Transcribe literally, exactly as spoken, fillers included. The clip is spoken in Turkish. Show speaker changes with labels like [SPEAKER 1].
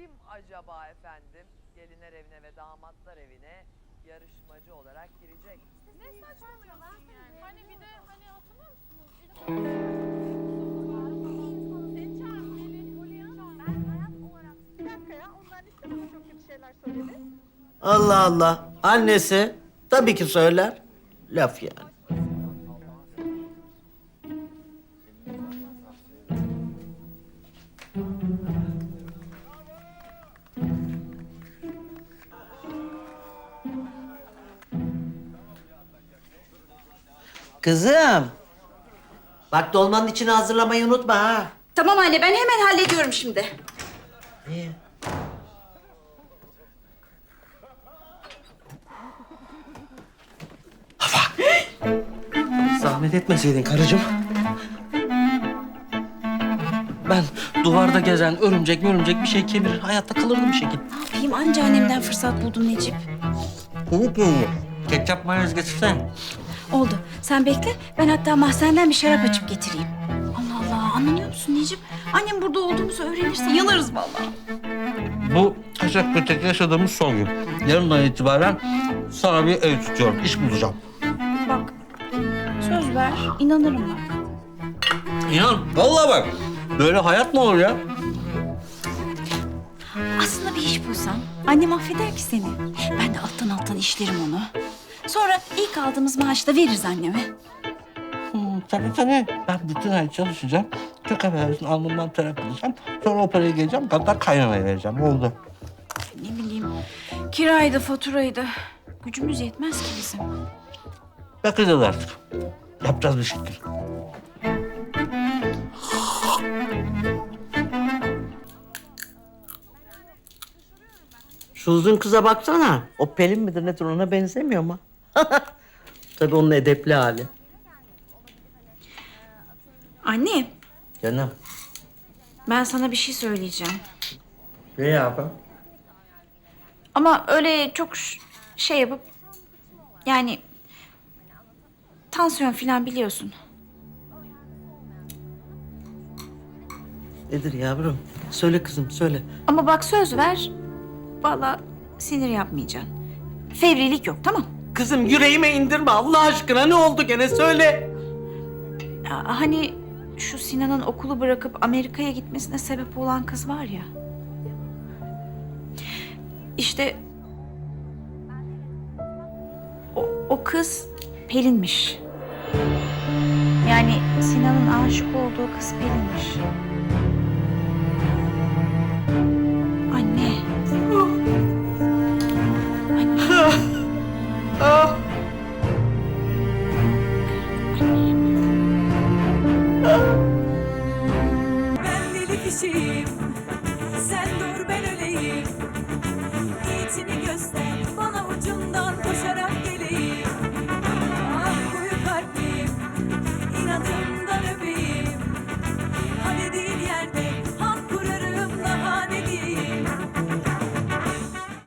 [SPEAKER 1] kim acaba efendim? Gelinler evine ve damatlar evine yarışmacı olarak girecek.
[SPEAKER 2] Ne saçmalıyorsun yani? Hani bir de hani hatırlıyor musunuz? Seni çağırdım Melih, Polyana. Ben hayat olarak...
[SPEAKER 3] Bir dakika ya, onlar işte bana çok kötü şeyler söyledi.
[SPEAKER 4] Allah Allah. Annesi tabii ki söyler. Laf yani. Kızım. Bak dolmanın içini hazırlamayı unutma ha.
[SPEAKER 5] Tamam anne, ben hemen hallediyorum şimdi.
[SPEAKER 4] İyi.
[SPEAKER 6] Zahmet etmeseydin karıcığım. Ben duvarda gezen örümcek örümcek bir şey kemirir, hayatta kalırdım bir şekilde.
[SPEAKER 5] Ne yapayım, anca annemden fırsat buldum Necip.
[SPEAKER 6] Unut mu? Ketçap mayonez getirsene.
[SPEAKER 5] Oldu, sen bekle. Ben hatta mahzenden bir şarap açıp getireyim. Allah Allah, anlamıyor musun Necip? Annem burada olduğumuzu öğrenirse yanarız vallahi.
[SPEAKER 6] Bu kaçak kötek yaşadığımız son gün. Yarından itibaren sana bir ev tutuyorum, iş bulacağım.
[SPEAKER 5] Bak, söz ver, inanırım bak.
[SPEAKER 6] İnan, vallahi bak. Böyle hayat mı olur ya?
[SPEAKER 5] Aslında bir iş bulsan, annem affeder ki seni. Ben de alttan alttan işlerim onu. Sonra ilk aldığımız maaşla veririz anneme.
[SPEAKER 6] Hmm, tabii tabii. Ben bütün ay çalışacağım. Çok affedersin, alnımdan taraf edeceğim. Sonra o parayı geleceğim, hatta kaynanaya vereceğim. Oldu.
[SPEAKER 5] Ne bileyim, kiraydı, faturaydı. Gücümüz yetmez ki bizim.
[SPEAKER 6] Bakacağız artık. Yapacağız bir şekil.
[SPEAKER 4] Şu uzun kıza baksana. O Pelin midir nedir ona benzemiyor mu? Tabii onun edepli hali.
[SPEAKER 5] Anne,
[SPEAKER 4] Canım.
[SPEAKER 5] ben sana bir şey söyleyeceğim.
[SPEAKER 4] Ne yapayım?
[SPEAKER 5] Ama öyle çok ş- şey yapıp... Yani... Tansiyon falan biliyorsun.
[SPEAKER 4] Nedir yavrum? Söyle kızım söyle.
[SPEAKER 5] Ama bak söz ver. Vallahi sinir yapmayacaksın. Fevrilik yok, tamam?
[SPEAKER 4] Kızım yüreğime indirme Allah aşkına ne oldu gene söyle.
[SPEAKER 5] Ya, hani şu Sinan'ın okulu bırakıp Amerika'ya gitmesine sebep olan kız var ya. İşte... O, o kız Pelin'miş. Yani Sinan'ın aşık olduğu kız Pelin'miş. Anne. Anne.
[SPEAKER 7] Ben deli kişiyim,